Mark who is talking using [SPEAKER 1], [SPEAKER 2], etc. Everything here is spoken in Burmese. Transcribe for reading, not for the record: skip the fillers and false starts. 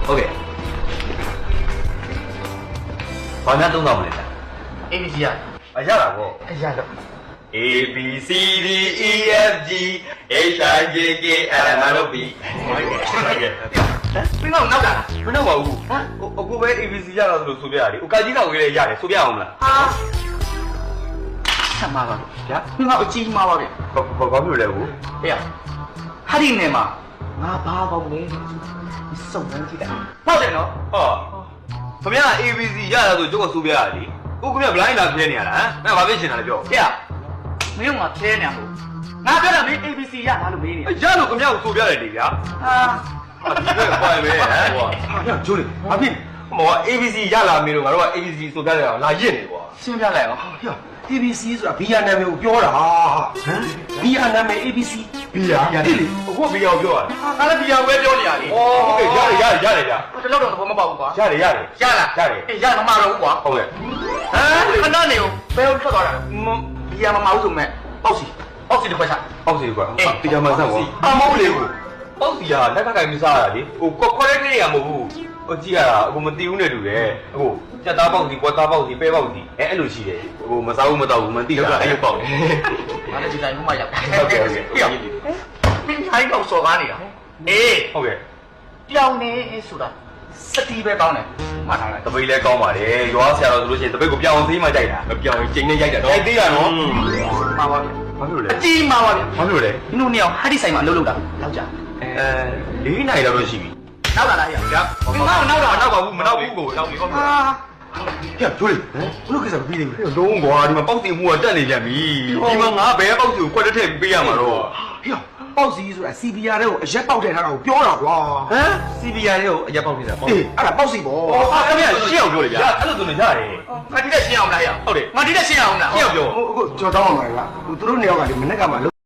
[SPEAKER 1] ဟုတ်ကဲ့ဘာများသုံးတော့မလဲဗျာ
[SPEAKER 2] ABC ရ
[SPEAKER 1] အရတာပေါ့
[SPEAKER 2] အရတော့
[SPEAKER 1] A B C D E F G H I J K L M N O P ဟုတ်ကဲ့
[SPEAKER 2] ဘင်းတော့နောက်တာလား
[SPEAKER 1] မနောက်ပါဘူးဟမ်အခုပဲ A B C ရတော့ဆိုပြရတယ်ဟိုကာကြီးတော့ကြီးလည်းရတယ်ဆိုပြအောင်မလား
[SPEAKER 2] ဟာဆက်မှာပါဗျာဘင်းတော့အကြီးမှာပါဗျာ
[SPEAKER 1] ဘာဖြစ်လဲဘူး
[SPEAKER 2] ဟေ့ဟာဒီနေမှာငါဘာပေါက်လဲစုံစမ်းကြည့်တာဟုတ်တယ်နော်
[SPEAKER 1] ဟောခင်ဗျာ A B C ရတာဆိုကျုပ်ကဆိုပြရတယ်လေအခုခင်ဗျာ blind လာပြဲနေရတာဟမ်ငါဘာဖြစ်ရှင်တာလဲပြော
[SPEAKER 2] ဟေ့မင်းကဖဲနေမှာငါပြောတာမင်း ABC ရလားလို့မေးနေ
[SPEAKER 1] ရလို့ခင်ဗျာကိုဆိုပြရတယ်လေဗျာ
[SPEAKER 2] ဟာ
[SPEAKER 1] ဒီဘက်ပွိုင်ပဲဟမ်ဟိုဟာကျိုးလေဘာဖြစ်မော ABC ရလာမင်းတို့ငါတို့က ABC ဆိုပြတယ်လာရစ်နေကွာ
[SPEAKER 2] ရှင်းပြလိုက်အောင်
[SPEAKER 3] ဟေ့ ABC ဆိုတာဘီယာနာမည်ကိုပြောတာဟမ်ဘီယာနာမည် ABC
[SPEAKER 1] ဘီယာဒီလေအခုဘီယာကိုပြောရတယ်
[SPEAKER 2] ငါလည်းဘီယာဝဲပြောနေရလေ
[SPEAKER 1] ဩဟုတ်ကဲ့ရတယ်ဗျာ
[SPEAKER 2] တလောက်တော့ဘောမပေါက်ဘူးကွာ
[SPEAKER 1] ရတယ်
[SPEAKER 2] ရမမတော့ဘူးကွာ
[SPEAKER 1] ဟုတ်ကဲ့
[SPEAKER 2] ဟမ်ခဏနေကိုဘယ်လိုထွက်သွားတာဘီယာမမဟုတ်ဆိုမဲ့ပေါက်စီတစ်ခွက်ချ
[SPEAKER 1] အောက်စီကွာတရားမှန်ဆန့်ကွာအမဟုတ်လေကိုပေါက်စီကလက်ကကိုင်မစားရလေဟိုခေါ်တဲ့ကိရိယာမဟုတ်ဘူးဟိုကြည့်ရတာအခုမတီးဘူးနဲ့တူတယ်အခုကြက်သားပေါက်စီကွက်သားပေါက်စီပဲပေါက်စီအဲ့လိုရှိတယ်ဟိုမစားဘူးမတော့ဘူးမတီးတာအဲ့လိုပေါက်တယ်
[SPEAKER 2] ငါလည်းဒီတိုင်းမှမရောက်
[SPEAKER 1] ဟုတ်ကဲ့
[SPEAKER 2] မင်းထိုင်းတော့စော်ကားနေတာအေး
[SPEAKER 1] ဟုတ်ကဲ့
[SPEAKER 2] ပြောင်းနေဆိုတာစတီးပဲကောင်းတယ်မှတ်ထားလိုက်
[SPEAKER 1] တပိတ်လဲကောင်းပါတယ်ရွာဆရာတော်ဆိုလို့ရှိရင်တပိတ်ကိုပြောင်းအောင်သေးမှကြိုက်တာမပြောင်းရင်ကျိန်းနဲ့ရိုက်တာတော့သေးရနော်
[SPEAKER 2] မှာပါဗျ
[SPEAKER 1] ဘာလို့လဲ
[SPEAKER 2] အကြီးမှာပါဗျ
[SPEAKER 1] ဘာလို့လဲ
[SPEAKER 2] မင်းတို့နှစ်ယောက်ဟာဒီဆိုင်မှာလှုပ်တာလောက်ကြ
[SPEAKER 1] 4နိုင်တော့ရှိပြီ
[SPEAKER 2] နောက်လာလားဟဲ့
[SPEAKER 1] ဗျာနောက်ပါဘူးမနောက်ဘူးကိုနောက်ပြီဟုတ်ပြီ
[SPEAKER 2] ဟာ
[SPEAKER 3] ဟေ့ကျိုးလေဘလို့ကိစ္စမပြီးသေးဘူး
[SPEAKER 1] လုံးကွာဒီမှာပေါက်စီမှုကတက်နေပြန်ပြီဒီမှာငါဘယ်ပေါက်စီကိုကွက်တက်ထည့်ပေးရမှာတော့
[SPEAKER 3] ဟေ့ပေါက်စီဆိုတာ CBR တဲ့ကိုအရက်ပေါက်ထည့်ထားတာကိုပြောတာကွာ
[SPEAKER 1] ဟမ် CBR ရဲ့ကိုအရက်ပေါက်နေတာပေါ့
[SPEAKER 3] အေးအဲ့ဒါပေါက်စီပေါ့
[SPEAKER 1] ဟာခင်ဗျာရှင်းအောင်ပြောလေဗျာအဲ့လိုဆိုနေရတယ်
[SPEAKER 2] ငါဒီတက်ရှင်းအောင်လားဟဲ့
[SPEAKER 1] ဟုတ်တယ်
[SPEAKER 2] ငါဒီတက်ရှင်းအောင်လား
[SPEAKER 1] ရှင်းအောင်ပြော
[SPEAKER 3] ဟိုအခုကျွန်တော်တောင်းအောင်ပါလားသူတို့နှစ်ယောက်ကလေမနေ့ကမှ